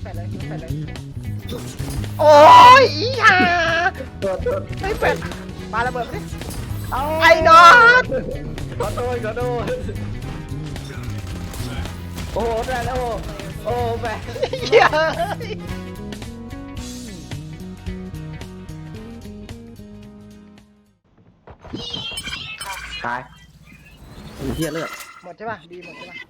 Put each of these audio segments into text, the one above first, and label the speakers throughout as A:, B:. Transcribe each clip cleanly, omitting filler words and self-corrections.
A: แปดเลยแปดเลยโอ้ยอีห่าไม่แปดปาระเบิดไปดิไอ้นอต
B: ขอโทษโอ้โหได้แล้วโอ้แบก
A: เหี้ย
B: ตายเฮียเลือด
A: หมดใช่ป่ะดีหมดใช่ป่ะ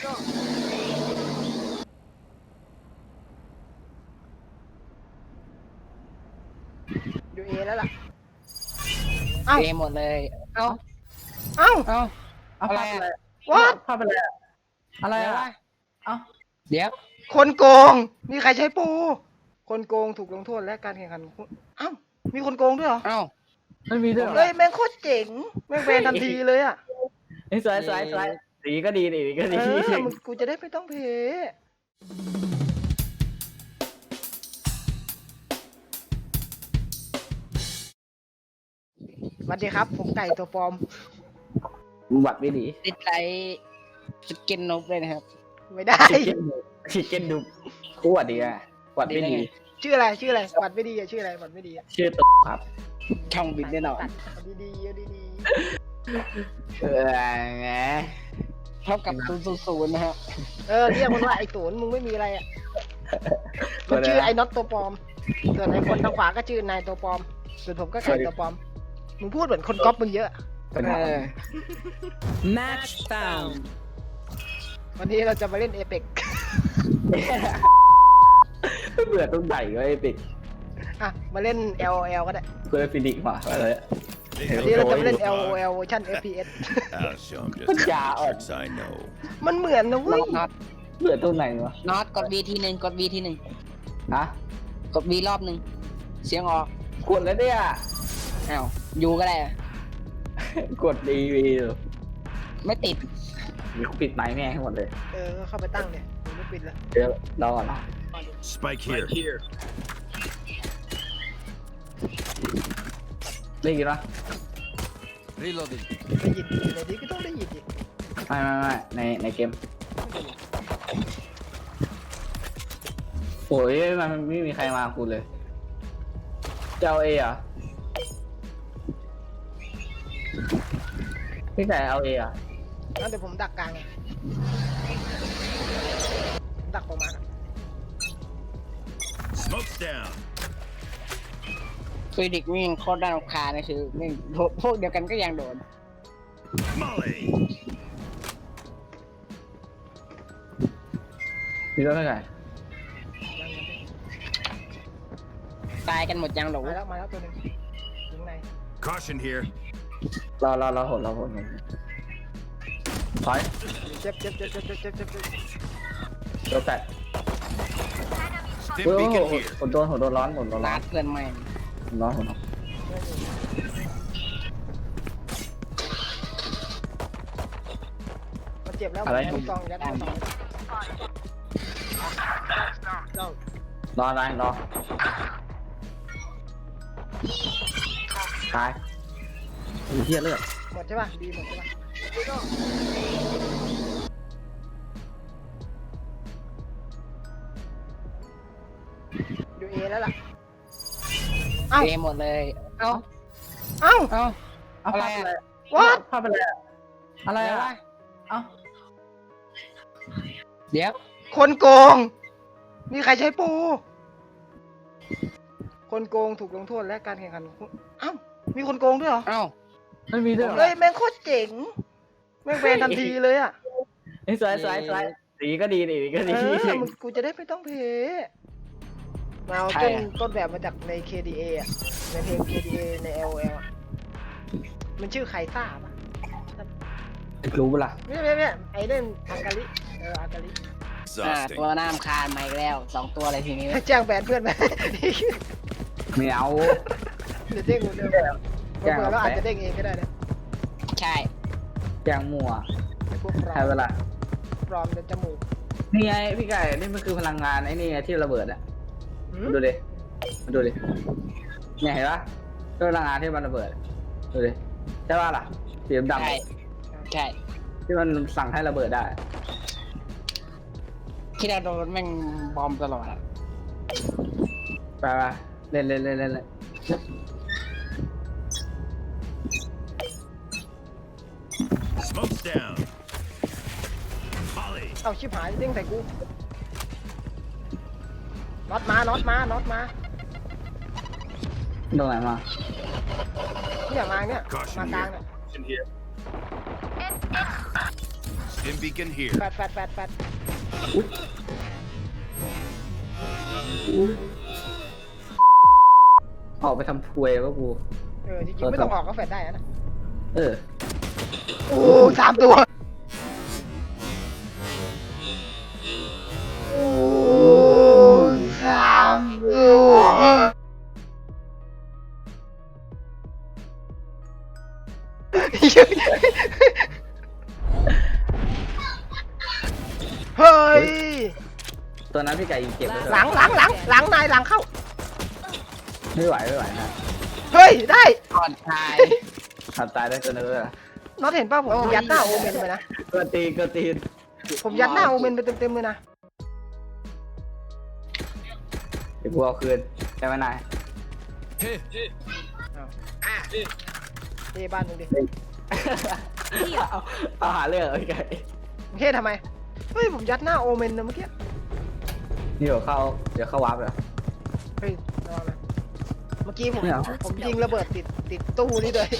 A: อยู่เอแล้วล่ะเอ้า
C: เอหมดเลยเอ้า
A: เอ้า
C: เอ้า
B: อะไร
A: วัด
B: ภาพอะไรอะไร
C: อะไรวะ
B: เอ้า
C: เดี๋ยว
A: คนโกงมีใครใช้ปูคนโกงถูกลงโทษและการแข่งขันเอ้ามีคนโกงด้วยเหรอ
C: เอ้า
B: ไม่มีด้วยเหรอ
A: เฮ้ยแม่งโคตรเจ๋งแม่งแบนทันทีเลยอ่ะ
B: ไอ้สวยสีก็ดีดีก็
A: เอ
B: ดี
A: อมึงกูจะได้ไม่ต้องเพสวัสดีครับผมไก่ตัวปลอม
B: บัตรไม่ดี
C: ติดไลท์สกินนกเลยนะครับ
A: ไม่ได้
B: ชิคเก้นดูคู่วัดดีอ่ะวัดไม่ดี
A: ชื่ออะไรบัตรไม่ดีอะชื่ออะไรบัตรไม่ดีอะ
B: ชื่อตุ๊ครับ
C: ช่องบินแน่นอน
A: เอาดีๆเอาดี
B: ไง
C: เท่ากับ000นะครับ
A: ๆเรียกมันว่าไอ้ตูนมึงไม่มีอะไรอ่ะมันชื่อไอ้น็อตตัวปลอมส่วนไอ้คนทางขวาก็ชื่อนายตัวปลอมส่วนผมก็ไก่ตัวปลอมมึงพูดเหมือนคนก๊อปมึงเยอะ
D: Match found.
A: วันนี้เราจะมาเล่นเอเปก
B: เบื่อต้องใหญ่ก็ไอ้ปิด
A: อ่ะมาเล่น LOL ก็ได้
B: เพื่อฟินิกมาอะไร
A: วันนี้เราจะมาเล่น LOL เวอร์ชัน FPS
E: I'll show him just
B: Yeah,
E: how many tricks I know.
A: มันเหมือนนะเว้ย
C: น็อต
B: เบื่อตรงไหนวะ
C: น็อตกด V ทีหนึ่งกด V ทีหนึ่ง
B: ฮะ
C: กด V รอบหนึ่งเสียงออก
B: กดแล้วเนี่ย
C: อ้าวยูก็ได้
B: กดดีวี
C: ไม่ติด
B: มีปิดไม้แม่งให้หมดเลย
A: ก็เข้าไปตั้งเนี่ยผมไม่ปิดแล้ว
B: เดี๋ยวรอก่อนนะ
E: Spike here.
B: ได้ยินปะ
E: Reloading.
A: ได้ยินอยู่ในนี้ก็ต้องได้ยินดิ
B: ไม่ในเกมโอ้ยมันไม่มีใครมากูเลยเจ้าเออะพี่ไก่เอาเออะ
A: งั้นเดี๋ยวผมดักกลางไงผมดักประมาณ
E: Smoke's down.
C: ฟิดิกนี่ยังโคตรด้านคานะคือแม่งพวกเดียวกันก็ยังโดน
E: Molly.
B: พี่ก็ไม่ไก่
C: ตายกันหมดยังหรอ
A: มาแล้วตัวหนึงถึงไหน
E: Caution here.
B: รอหดถอย
A: เจ็บ
B: ตัวแตก
E: Stim
B: โอ้
E: beacon
B: โห
E: here.
B: โดนร้อนหมดร้อน
C: ลาดเพื่อนใหม่
A: มันเจ็บแล้ว
B: อะไร
A: ลูกซองยัดลูกซอง
B: รออะไรรอตายมีเทียเลือด
A: หมดใช่ป่ะดีหมดใช่ป่ะอยู่เอแล้วล่ะเอ้า
C: เอหมดเลย เอ้า
A: เอ้า
C: เอ้าอะไรอะ
A: วัด
B: ภาพอะไรอะไร
C: เดี๋ยว
B: อะ
C: วะ
B: เอ้า
C: เดี๋ยว
A: คนโกงมีใครใช้ปูคนโกงถูกลงโทษและการแข่งขันเอ้ามีคนโกงด้วยเหรอ
C: เอ้า
B: ไม่มีด้วยเหรอ
A: เฮ้ยแม่งโคตรเจ๋งแม่งแบนทันทีเลยอ่ะ
B: ไอ้สวยสีก็ดีก็ดี
A: มึงกูจะได้ไม่ต้องเพมาเอาต้นแบบมาจากใน KDA อ่ะในเพลง KDA ใน LOL อ่ะมันชื่อไคซ่าป่ะ
B: รู้ปะล่ะ
A: ไม่ไอ้เล่นอากาลิอากาลิ
E: Exhausting.
C: ตัวหน้ามคานมาอีกแล้ว2ตัวอะไรทีนี้
A: แจ้งแบนเพื่อนไหม
B: ไม่เอา
A: เดี๋ยวเด้งเหมือนเดิมเผื่อเราอาจจะเด้งเองก็ได้นะ
C: ใช่
B: แจงมัว
A: ไอ้พวกปลอ
B: ใช่
A: ม
B: เวลา
A: ปลอมจนจมูก
B: นี่ไงพี่ไก่นี่มันคือพลังงานไอ้นี่ไงที่ระเบิดอ่ะ
A: หืม
B: มาดูดิเนี่ยเห็นปะคือพลังงานที่มันระเบิดดูดิใช่ป่ะล่ะสีดำ
C: ใช่ใช่
B: ที่มันสั่งให้ระเบิดได้
C: ที่เราโดนแม่งบอมตลอดอะ
B: ไปเล่น
E: Smoke's down. Molly.
A: เอาชิบหายเด้งใส่กูน็อตมาน็อตมาน็อตมา
B: ตรงไหนมา
A: เนี่ยมาเนี่ยมากลางเนี่ย
E: Stim beacon here.
A: แฟด
B: ออกไปทำถวยก็กู
A: จริงๆไม่ต้องออกก็แฟดได้นะ
B: เออ
A: โอ้3 ตัวโอ้3 ตัวเฮ้ย
B: ตัวนั้นพี่ไก่ยิงเก็บไว้เถอะ
A: หลังนายหลังเข้า
B: ไม่ไหวนะ
A: เฮ้ยได้
C: ก่อนตาย
B: ทำตายได้ตัวนึงเลย
A: น็อตเห็นป่ะผมยัดหน้าโอเมนไปนะ
B: ก็ตีน
A: ผมยัดหน้าโอเมนไปเต็มๆเลยนะ
B: เดี๋ยวกูเอาคืนได้ไหมนาย
E: Hey.
A: เฮ้บ้านมึงดิ
B: เอาหาเรื่องพี่ไก่
A: เฮ้ทำไมเฮ้ยผมยัดหน้าโอเมนนะเมื่อกี้
B: เดี๋ยวเข้าวาร์ปเลย
A: เฮ้ยระวังนะเมื่อกี้ผม
B: ไม่เอา
A: ยิงระเบิดติดตู้นี่เลย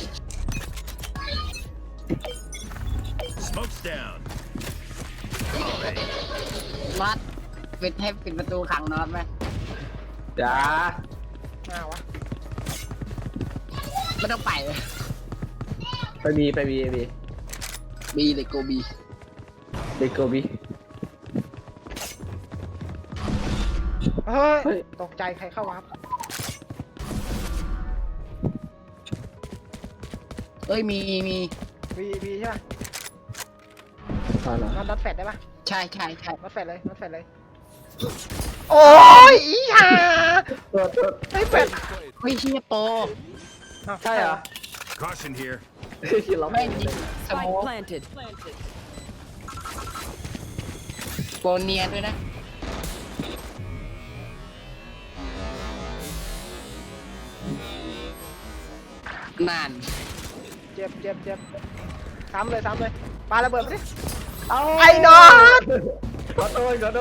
E: Smoke's down. Molly.
C: น็อตปิดให้ปิดประตูขังน็อตไหม
B: จ้าม
A: าวะ
C: ไม่ต้องไปเลย
B: ไปบี
C: บีเลยโกบี
B: เด็กโกบี
A: เฮ้
B: เฮ้
A: ย
B: ย
A: ตกใจใครเข้าวับ
C: เอ้ยมี
A: วีใช่ป่ะ
B: ตอนไหน
A: น็อตแฟดได้ป่ะ
C: ใช่
A: น็อตแฟดเลยโอ้ยอีห่า
B: ตัว
A: เฮ้ยแฟด
C: เฮ้ยเชี่ยโป
A: อ้าว
B: ใช่เหรอ
E: Caution here.
B: ที่เรา
C: แม่งยิงสโม
D: Spike
C: ก
D: planted.
C: โปเนียนด้วยนะนาน
A: เจ็บซ้ำเลยปาระเบิดมาดิ
B: เอา
A: ไอ้น็อต
B: ขอโทษเรา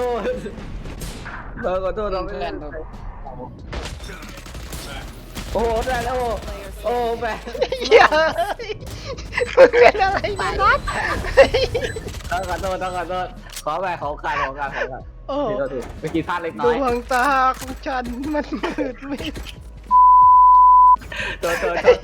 B: ไม่
C: เพื่
B: เล่
C: อน
B: นโอ้โหได้แล้วโอ้แม่
A: เฮ้ยมึงเป็นอะไรมาน็อต
B: ต้องขอโทษขอไปขอการ
A: โอ้
B: ถูกเมื่อกี้พลาดเล็กน้
A: ด
B: อยว
A: งตาของฉันมันมืดมิด
B: ตัว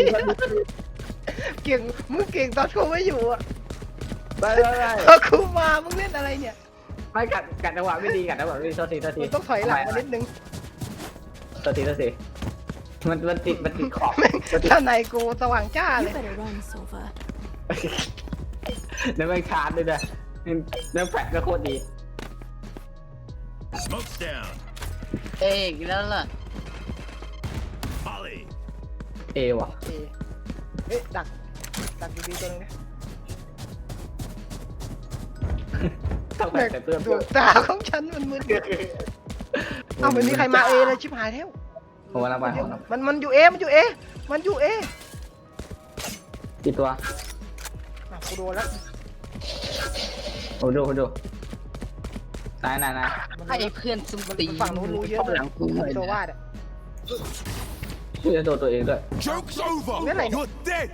A: เก่งมึงเก่งตอนกูไม่อยู่อ่ะ
B: ไป
A: พอกูมามึงเล่นอะไรเนี่ย
B: ไม่กัดจังหวะไม่ดีโทษที
A: มึงต้องถอยหลังมานิดนึง
B: โทษทีมันติดขอบ
A: ถ้าในกูสว่างจ้าเลย
D: Better run, Sova.
B: แล้วไม่ชาร์จด้วยนะแล้วแฟลชก็โคตรดี
E: Smoke's down.
C: เอ้ยอีกแล้วเหรอ
E: Molly.
B: เอว่ะ
A: เอ๊ะดักดีๆตัวนึงนะ
B: ต้องแบกแต่เพื่อน
A: ดวงตาของฉันมันมืดเอ้าไม่มีใครมาเอเลยชิบหายแล้ว
B: ผมว่าไป
A: มันอยู่เอ
B: กี่ตัว
A: อ่ะกูโดนแล้ว
B: ผมดูนาย
C: ให้เพื่อนซุ่มตี
A: ฝั่งนู้นรู้เยอะ
C: หลังกูหน่อย
A: ตัว
C: นะ
A: วาดอ่ะ
B: พี่จะโดนตัวเองด้วย
E: Joke's over.
A: Cái này-
E: You're dead.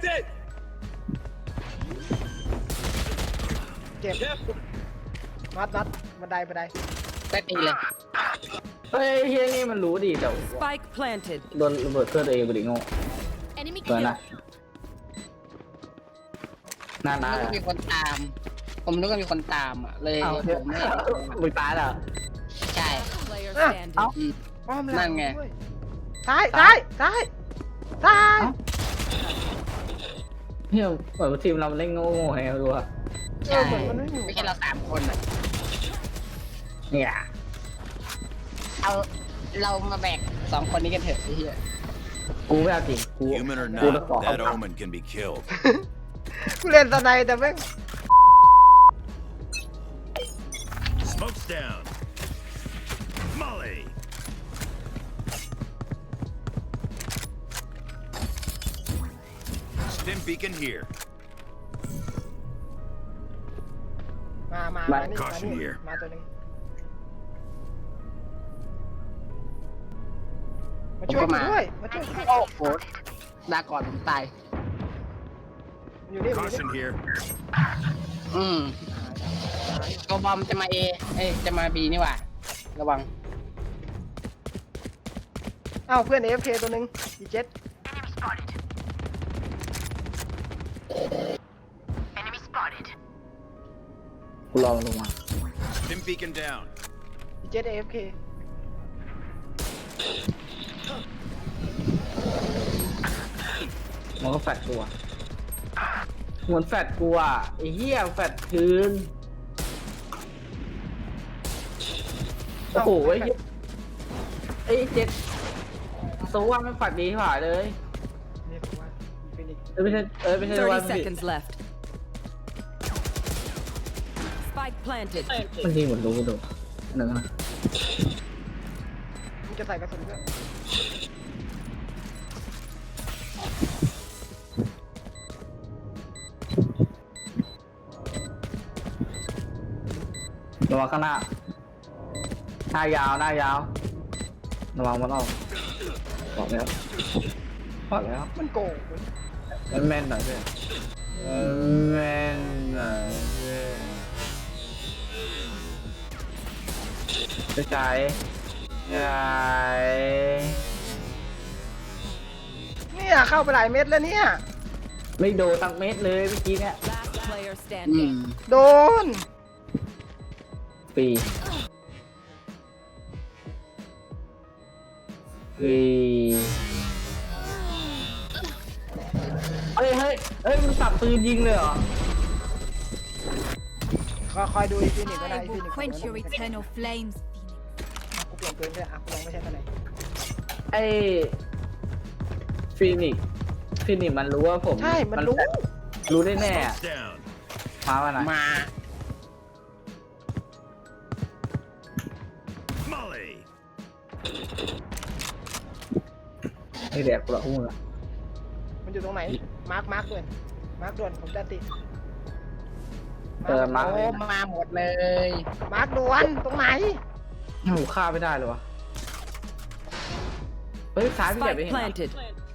A: เจ็บน็อตบันได
C: ได้ตีเลย
B: เฮ้ยเฮียนี่มันรู้ดีแต่
D: Spike planted.
B: โดนระเบิดเพื่อนตัวเองไปดิโง่
D: Enemy
B: ตัว
D: kill.
B: น่ะน่า
C: นึกว่ามีคนตาม ผมนึกว่ามีคนตามอ่ะ เลย
B: เอา
C: ผมไม่
B: มึงตายแล้ว
C: ใช่
D: Player
A: Ah,
D: standing.
C: อืม
A: อ้อมหลั
C: นั่
A: ง
C: นไง
A: ด้วยซ้าย
B: เฮียเหมือนทีมเราเล่นโง่ไงไม่รู้อะ
A: เออเหมือนมันไม่อยู่
C: ไม่ใช่เรา3 คนอ่ะ
B: เนี่ย
C: เอาเรามาแบก2 คนนี้กันเถอะไอ้เหี้ย
B: กูไม่เอาจริงกู
E: Human or
B: Cua
E: not,
B: cỏ.
E: that omen can be killed.
A: กูเล่นสไนแต่แม่ง
E: Smoke's down. beacon here.
A: มานี่
E: Caution here
A: มาตัวหนึงมาช่วยกูด้วยมาช่วยกูด้วย
C: โอ้โหดาก่อนผมตาย
A: อยู่นี่อยู่นี่
E: Caution here.
C: ตัวบอมจะมาเอจะมาบีนี่หว่าระวัง
A: เอ้าเพื่อน AFK ตัวหนึงอีเจ็ด
B: กูรอมันลงมา
E: Stim beacon down.
A: อีเจ็ด AFK
B: มันก็แฟดกูอะเหมือนแฟดกูอะไอ้เหี้ยแฟดคืนโอ้โหไอ้เหี้ยไอ้เจ็ดโซว่าไม่แฟดดีกว่าเลย
A: นี่ผมว่าฟินิกซ์
B: ไม่ใช่ไม่ใช่ว่า
D: 30 seconds left. Spike planted.
B: มันยิงเหมือนรู้ดูหนึ่งนะ
A: มึงจะใส่กระสุนด้วย
B: ระวังข้างหน้าหน้ายาวระวังมันออกบอกแล้ว
A: มันโกงเว้ย
B: แม่นหน่อยเพื่อนแม่นหน่อยเพื่อนจะใจ
A: เนี่ยเข้าไปหลายเม็ดแล้วเนี่ย
B: ไม่โดนตั้งเม็ดเลยเมื่อกี้เนี่ย
D: Last player standing.
A: โดน
B: ปีเฮ้ยมันสับปืนยิงเลยเหรอ
A: คอยดูอีฟินิกซ์ก็ได้
F: I
A: อีฟิ
F: will
A: นิกซ์
F: quench your eternal flames, Phoenix.
A: กูเปลี่ยนปืนด้วยกูลองไม่ใช่ตัวไหน
B: ไอ้ฟีนิกซ์มันรู้ว่าผม
A: ใช่มันรู้
B: รู้ได้แน่อะ
E: Smoke's down.
B: มาวันไหน
C: มา
E: Molly.
B: ไอ้แดกกูละหุ้นละ
A: มันอยู่ตรงไหนมาร์คด่วนผมจะติด
B: มา
C: โอ้มาหมดเลย
A: มาร์คด่วนตรงไหน
B: หนูฆ่าไม่ได้เลยวะเฮ้ยซ้ายพี่ใหญ่
D: Spike
B: ไปเห็นเหรอ
D: planted.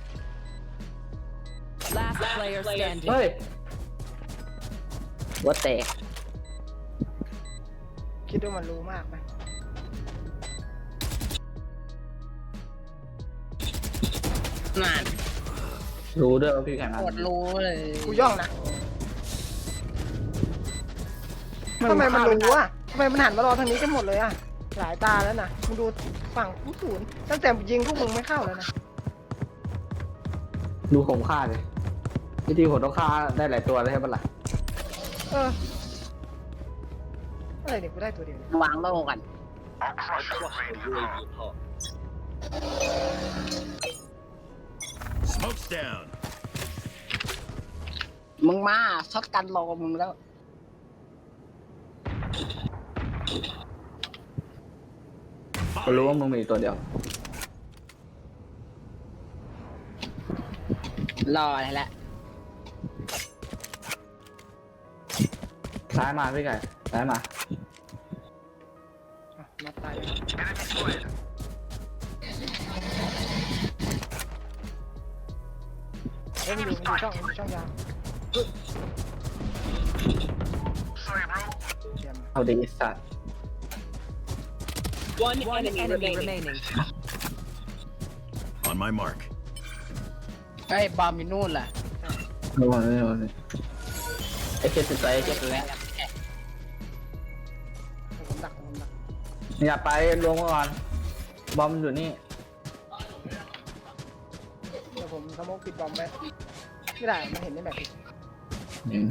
D: Last player standing.
B: เฮ้ยหัวแตก
A: คิดว่ามันรู้มากไหม
C: นาน
B: รู้ด้วยว่าพี่แข่งมา
C: หมดรู้เลย
A: กูย่องนะทำไมมันรู้อ่ะทำไมมันหันมารอทางนี้กันหมดเลยอ่ะหลายตาแล้วนะมึงดูฝั่งผู้ศูนย์ตั้งแต่ยิงพวกมึงไม่เข้าแล้วนะ
B: ดูผมฆ่าเลยจริงๆผมต้องฆ่าได้หลายตัวเลยใช่ปะล่ะ
A: อะไรเนี่ยกูได้ตัวเดียวเนี่ยว
C: างโล่กัน
E: Smoke's down.
C: มึงมาช็อตกันรอมึงแล้ว
B: กูรู้ว่ามึงมีตัวเดียว
C: รออะไรละ
B: ซ้ายมาพี่ไก่ซ้ายมา
A: อ่ะนัดตายเลยเฮ้ยมันอยู่ช่องยาวเยี่ยม
B: เอาดีสัตว์
D: One enemy remaining.
E: On my mark.
C: เฮ้ยบอมอยู่นู่นล่ะ
B: ระวังเลยไอ้เจ็ดสิบไปเจ็ดเลย
A: ผมดัก
B: อย่าไปลงมาก่อนบอมอยู่นี่
A: เดี๋ยวผมสโมกปิดบอมไว้ไม่ได้มันเห็นในแบบผิด
B: เห็น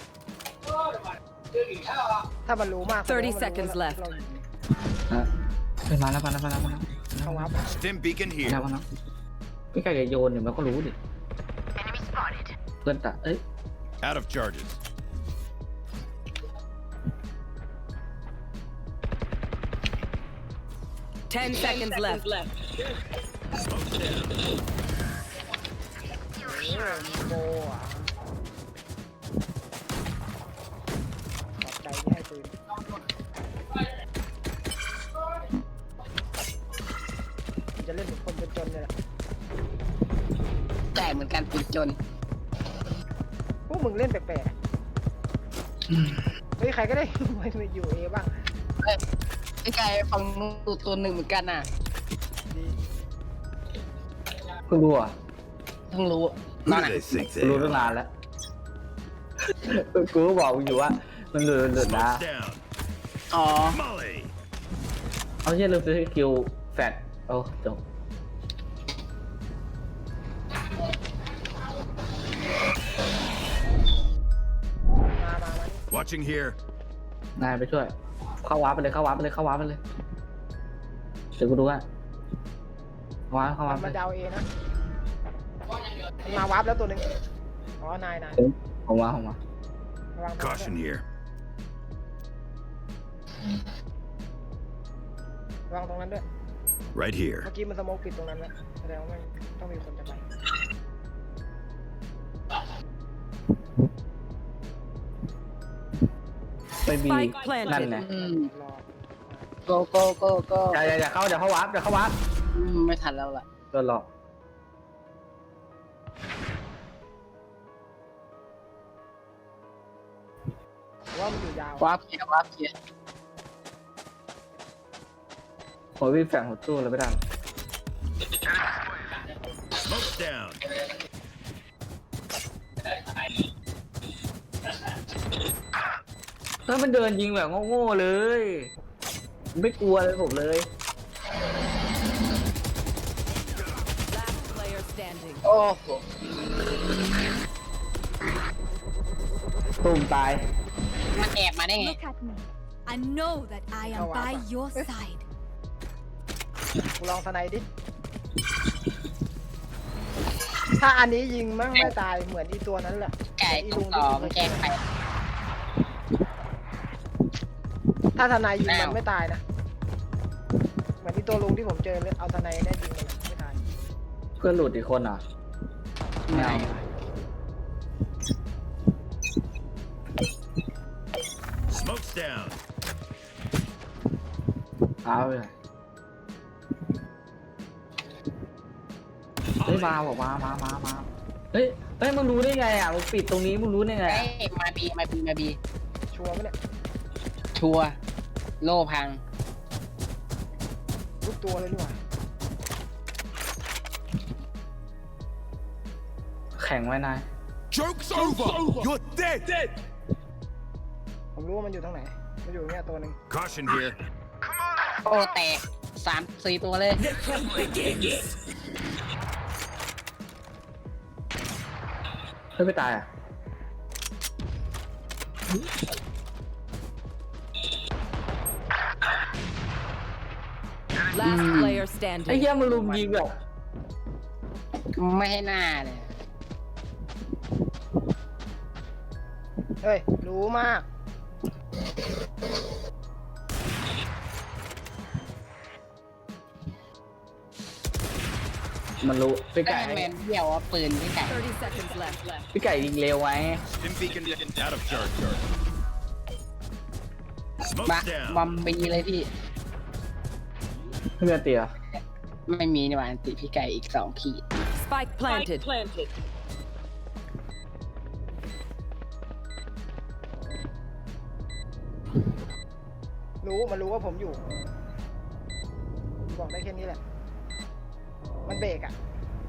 A: ถ้ามันรู้มาก
D: 30 seconds left
A: เราอยู่
B: ฮะเฮ้ยมาแล้ว
A: เขาวับ
E: Stim beacon
B: มา
E: here.
B: แล้วพี่ไก่จะโยนเดี๋ยวมันก็รู้ดิเพื่อนตะเอ้ย
E: Out of charges.
D: 10 seconds left.
E: Smoke's down.
A: โบอ่ะจะเล่นเป็นคนจนๆเลยแหละ
C: แต่เหมือนกันติดจน
A: พวกมึงเล่นแปลกๆเฮ้ยใครก็ได้ มาอยู่เอบ้าง
C: ไอ้ไก่ฟังนูตัวหนึ่งเหมือนกันน่ะ
A: ดี
B: เพิ่งรู้อ่ะ
C: เพิ่งรู้
E: Who
C: ตอน
E: do
C: ไหน
E: they think
B: รู้
E: they
B: ตั้ง
E: are?
B: นานแล้ว กูก็บอกมึงอยู่ว่ามันหลุดนะ
E: Smoke's down.
C: อ๋อ
E: Molly.
B: เอาเช่นลืมซื้อสกิลแฟดโอ้จบ
A: มา
E: Watching here.
B: นายไปช่วย เข้าวาร์ปไปเลยเข้าวาร์ปไปเลยเข้าวาร์ปไปเลยเดี๋ยวกูดูว่าเข้าวาร์ป
A: มัน
B: ไป
A: มาดาวเอนะมันมาวาร์ปแล้วตัวหนึ่งอ๋อนาย
B: ผมว่า
A: ระวังตรงนั้น
E: Caution
A: ด้วย
E: here.
A: ระวังตรงนั้นด้วย
E: Right here.
A: เมื่อกี้มันสโมกปิดตรงนั้นแล้วแสดงว่ามันต้องมีคนจะไป
B: ไม่มี
D: Spike planted
B: นั่นไง
C: อืม
A: รอ
C: โก
B: อย่าเข้าเดี๋ยวเข้าวาร์ป
C: ไม่ทันแล้วล่ะ
B: โดนหลอก
A: ว่ามันอยู่ยาว
C: วาร์ปเกียร์
B: โอ้ยวิ่งแฝงหัวตู้เลยไม่ได้
E: Smoke's down.
B: ถ้ามันเดินยิงแบบโง่ๆเลย ไม่กลัวเลยผมเลย
D: Last player standing.
C: โอ้โห
B: ตุ่มตาย
C: มันแอบมาได้ไง
F: Look at me. I know that I am
A: Oh, wow.
F: by your side.
A: กูลองสไนดิ ถ้าอันนี้ยิงมั่งไม่ตายเหมือนอีตัวนั้นแหละ
C: ไก่
A: อี
C: ตร
A: ลุ
C: ง
A: ง
C: ต่
A: ที่
C: อ
A: กู
C: มัน
A: เค
C: แจ้
A: ย
C: งไป
A: ถ้าทนายยิง
C: อ้าว
A: มันไม่ตายนะ เหมือนที่ตัวลุงที่ผมเจอเลยเอาทนายเนี่ยยิงมันไม่ตาย
B: เพื่อนหลุดอีกคนเหรอไม่เอา
E: Smoke's down.
B: เอาไปเลยเฮ้ยมาบอกมาเฮ้ยมึงรู้ได้ไงอ่ะมึงปิดตรงนี้มึงรู้ได้ไง
C: เฮ้
B: อะ
C: ยมาบี
A: ชัวร์ไหมเนี่ย
C: ชัวร์โล่พัง
A: ทุกตัวเลยดีกว่า
B: แข่งไว้นาย
E: Joke's over. You're dead.
A: ผมรู้ว่ามันอยู่ตรงไหน มันอยู่เนี่ยตัวหนึ่ง
E: Caution here.
C: โอ้แตก3-4 ตัวเลย
B: เฮ้ยไม่ตายอ่ะ
D: Last player
B: ไอ้
D: standing.
B: เหี้ยมันลุมยิงแบบ
C: ไม่ให้หน้าเลย
A: เฮ้ย รู้มาก
B: มันรู้พี่
C: ได้
B: ไก่
C: แมนเดี่ยวอ่ะปืนพี่ไก่
D: 30 seconds left.
B: พี่ไก่ยิงเร็วไว้
E: Stim beacon out of charge.
C: บะ
E: Smoke's down.
C: บอมบีเลยพี่
B: เพื่อนเตี๋ย
C: ไม่มีนี่หว่าอันติพี่ไก่อีก2 ขีด
D: Spike planted.
A: มันรู้ว่าผมอยู่ บอกได้แค่นี้แหละ มันเบรกอ่ะ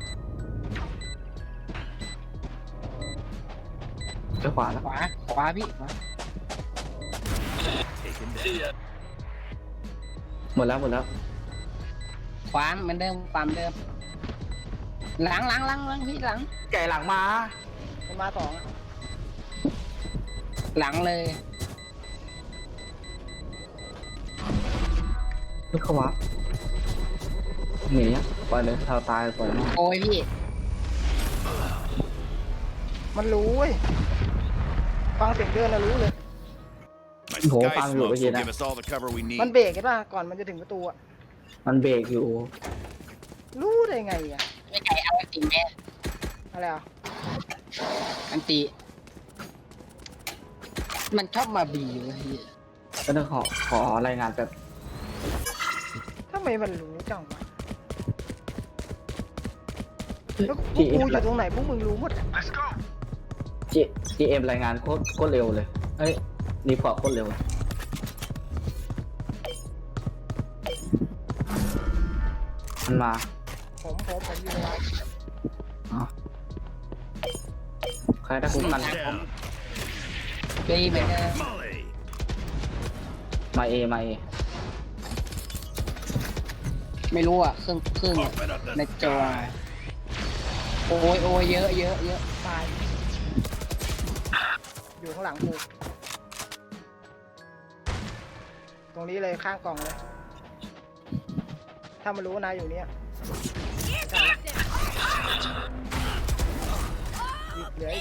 B: ไปขวาแล้ว
C: ขวาพี่ขวา
E: Taken down.
B: หมดแล้ว
C: ขวาเหมือนเดิมความเดิม หลังพี่หลัง
B: ไก่หลังมา
A: มันมาสองอะ
C: หลังเลย
B: ลูกเขาวับหนีอ่ะปล่อยเลยเราตายปล่อยมัน
C: โอ้ยพี่
A: มันรู้เว้ย ฟังเสียงเดินแล้วรู้เลย
E: My
B: Ủa,
E: sky
B: fan
E: smokes
B: rồi, cái gì
E: will
B: nè?
E: give us all the cover we need.
A: มันเบรกเห็นป่ะ ก่อนมันจะถึงประตูอ่ะ
B: มันเบรกอยู่
A: รู้ได้ไงอ่ะ
C: พี่ไก่เอาอันติแม่
A: อะไรอ่ะ
C: อันติมันชอบมาบีเลยพี่
B: ก็ต้องขอรายงานแบบ
A: ทำไมมันรู้จังวะแล้วพวกกูอยู่ตรงไหนพวกมึงรู้หมด
B: GM รายงานโคตรเร็วเลยเฮ้ยรีพอร์ตโคตรเร็วมันมา
A: ผมอยู่ในร้าน
B: อ๋อใครได้คุ้มกัน
E: Down.
C: ปีเหมือนเดิม
E: Molly.
B: มาเอ
C: ไม่รู้อ่ะครึ่ง
E: Open up
C: ใน
E: the
C: จอ
E: sky.
C: โอ้ยเยอะ
A: ตายอยู่ข้างหลังกูตรงนี้เลยข้างกล่องเลย ถ้ามันรู้ว่านายอยู่เนี่ยเหลืออีก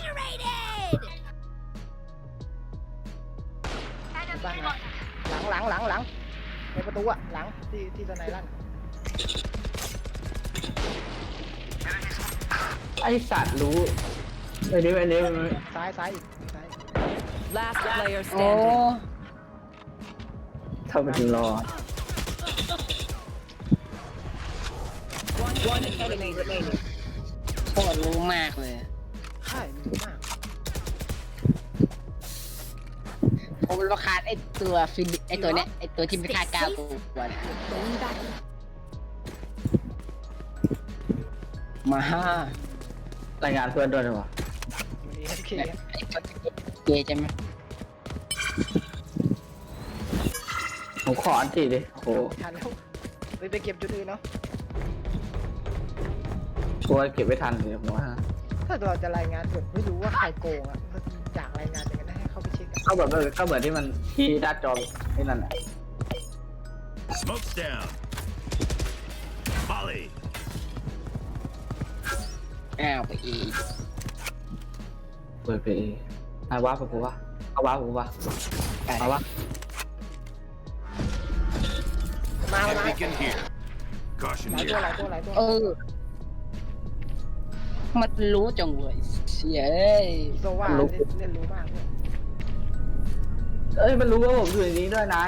F: Obliterated!
A: บ้านนะหลังในประตูอะหลังที่สไนลั่น
B: ไอสัตว์รู้ไอ้นี่
A: ซ้ายอีกซ้าย
D: Last player
C: โอ้
D: standing.
B: เท่าไปถึงรอ
D: One enemy remaining.
C: โคตรรู้มากเลย
A: ใช่มันรู้มาก
C: ผมราคาไอตัวฟินไอตัวเนี้ยไอตัวที่ไม่ค่า9ตัวเนี่ย
F: Going back.
C: มาร
B: ายงานเพื่อนด้วยดีกว่า
A: อยู่ดีโอเค
C: ไอตัวเกย์ใช่ไหม
B: ผมขออันตีดิโอ้โห
A: ทันแล้วไปเก็บจุดอื่นเนาะ
B: กลัวเก็บไว้ทันเลยผมว่า
A: ถ้าเราจะรายงานแบบไม่รู้ว่าใครโกงอะก็อยากรายงานอย่างนั้นให้เขาไปเช็คอะ
B: ก็เหมือนที่มันที่ด้านจอที่นั่นแหละ
E: Smoke's down. Molly.
C: อ้าวไปอีก
B: เปิดไปนายว้าไปกูวะเอาว้ากูวะเอาวะ
A: มา
E: Stim beacon here.
A: ห
E: Caution
A: ลายตัว
E: here.
A: หลายตัว
C: เออมันรู้จังเว้ยเสียเอ้ย
A: โซว่าเล่นรู้มากเลย
B: เอ้ยมันรู้ว่าผมอยู่ในนี้ด้วยนาย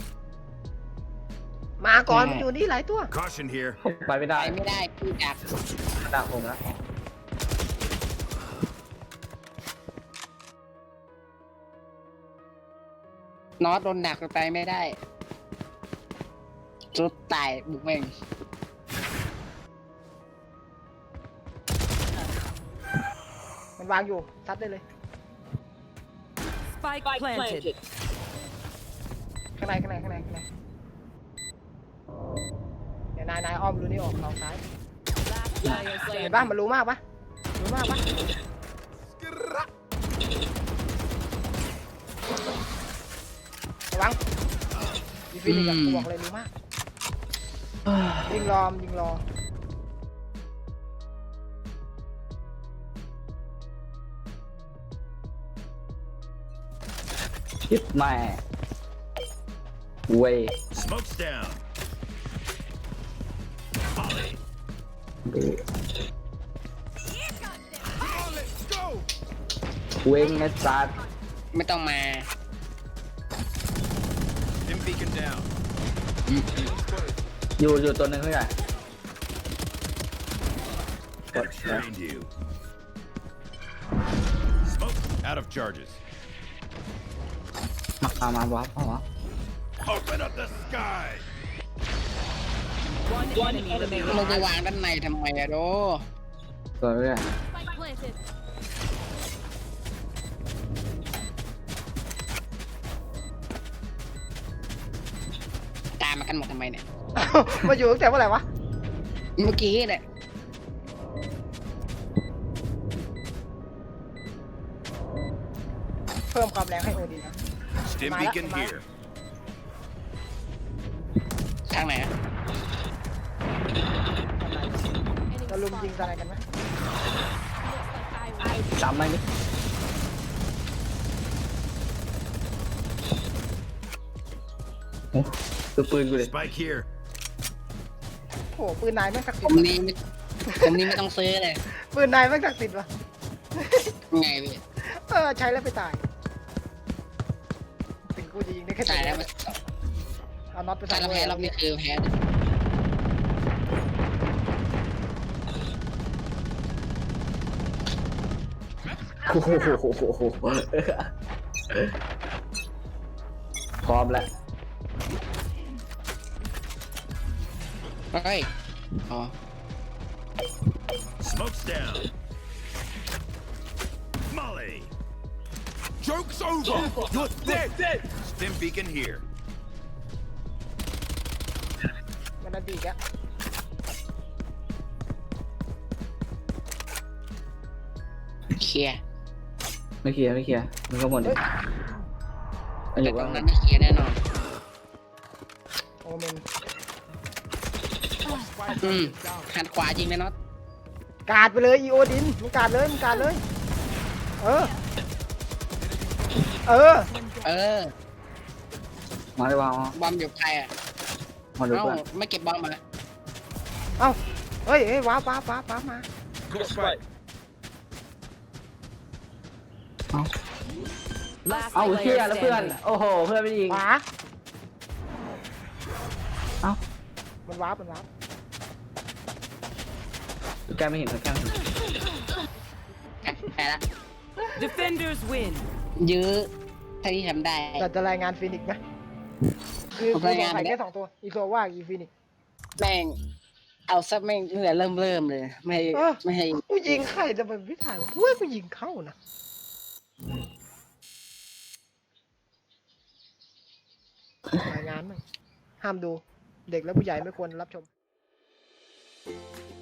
A: มาก่อนมันอยู่นี่หลายตัว
E: Caution here.
B: ผมไปไม่
C: ไป
B: ได้
C: ไม่ได้พี่ดัก
B: ดักผมนะ
C: นอตโดนดักไปไม่ได้จุดตายบุกแม่ง
A: มันวางอยู่ซัดได้เลย
D: Spike planted.
A: ข้างในเดี๋ยวนายอ้อมรู้นี่ออกเอาซ้าย
D: Last player
A: เห็น
D: standing.
A: ปะมันรู้มากปะระวังดีฟินิกกูบอกเลยรู้มากยิงรอ
B: คิดแม่เว้ย
E: Smoke's down. Molly.
B: เว้งไอ้สัตว์
C: ไม่ต้องมา
E: Stim beacon down.
B: อยู่ตัวหนึงเท่าไหร่
E: Trained you. Smoke out of charges.
B: มาว้าพ่อวะ
E: Open up the sky.
D: One enemy
C: มึง
D: remaining.
C: ไปวางด้านในทำไมอะโด
B: ตัวเรื่อย
F: Spike planted.
C: ตามมากันหมดทำไมเนี่ย
A: มาอยู่ตั้งแต่เมื่อไหร่วะ
C: เมื่อกี้เนี่ย
A: เพิ่มความแรงให้โอดีนะ
E: Stim
A: Mala,
E: beacon
A: mala.
E: here.
C: ทางไหนอะ
A: เราลุมยิงอะไรกันไหม
B: จำไหมนี่โอ้คือปืนกูเลย
E: Spike here.
A: โอ้โหปืนนายแม่งศักดิ์
C: ผ
A: สิท
C: ม
A: ธิ์
C: นี่ไม่ต้องซื้อเลย
A: ปืนนายแม่งศักดิ์สิทธิ์วะ
C: ไงพี่
A: ใช้แล้วไปตายถึงกูจะยิงได้แค่
C: จ่ายแล้ว
A: เดี
C: มา
A: ยวเอาน็อตไป
C: ถ้า
A: ใส่
C: เราแพ้รอบนี้คือแพ้
B: โอ้โหพร้อมแล้ว
C: เฮ้ยอ๋อ
E: Smoke's down. Molly. Joke's over. You're dead. Stim beacon here.
A: มันนั่นดีกอะ
C: เคลียร์
B: ไม่เคลียร์มันก็หมดดิมันอ
C: แต่
B: ยู่
C: ตร
B: ว่าง
C: นั้นไม่เคลียร์แน่นอน
A: โอเมน
C: หันขวาจริงไหมน็อต
A: กาดไปเลยอีโอดินมึงกาดเลยเออ
C: เออ
B: มาเลยวาง
C: บอมอยู่ใครอ่ะ
B: มาดู
C: เอ้า
B: เพื่อน
C: ไม่เก็บบอมมา
A: เอ้าเฮ้ยว้าบมา
D: Last
B: เอาเชี่ย
D: player
B: แล้วเพื่อน
D: standing.
B: โอ้โหเพื่อนไม่ยิง
A: ขวา
B: เอ้า
A: มันว้าบ
B: แกไม่เห็นแกไม่เห็น
C: แพ้ละ
D: Defenders win.
C: ยื้อถ้าที่ทำได้
A: แต่จะรายงานฟินิกซ์ไหมคือ
C: ผม
A: กู
C: ราย
A: ส
C: งาง น
A: สัย
C: ไปแล้ว
A: แค่2 ตัวอีโซว่าอีฟินิกซ์
C: แม่ง เอาซะแม่งตั้งแต่เริ่มเลย ไม่ให้
A: เออ
C: ไม่ให้
A: กูยิงใครแต่มันไม่ถ่ายเว้ยกูยิงเข้านะรายงานมั้งห้ามดูเด็กและผู้ใหญ่ไม่ควรรับชม